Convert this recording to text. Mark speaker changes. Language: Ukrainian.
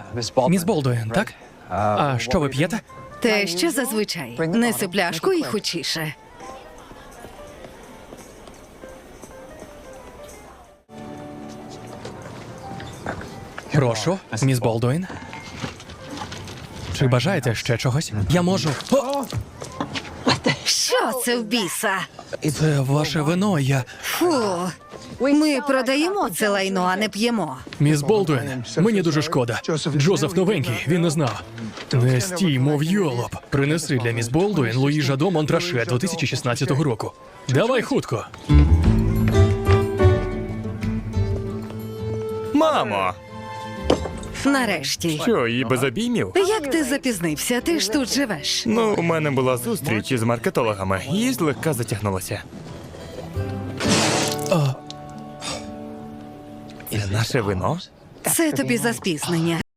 Speaker 1: Міс Болдуін, так? А що ви п'єте?
Speaker 2: Те, що зазвичай. Неси пляшку і хутчіше.
Speaker 1: Прошу, міс Болдуін. Чи бажаєте ще чогось? Я можу. О!
Speaker 2: Що це в біса?
Speaker 1: Це ваше вино, я.
Speaker 2: Фу. Ми продаємо це лайно, а не п'ємо.
Speaker 1: Міс Болдуін, мені дуже шкода. Джозеф новенький, він не знав. Не стій, мов йолоп. Принеси для міс Болдуін Луї Жадо Монтраше 2016 року. Давай хутко.
Speaker 3: Мамо!
Speaker 2: Нарешті.
Speaker 3: Що, і без обіймів?
Speaker 2: Як ти запізнився? Ти ж тут живеш.
Speaker 3: Ну, у мене була зустріч із маркетологами і злегка затягнулося. Це наше вино?
Speaker 2: Це тобі за спізнення.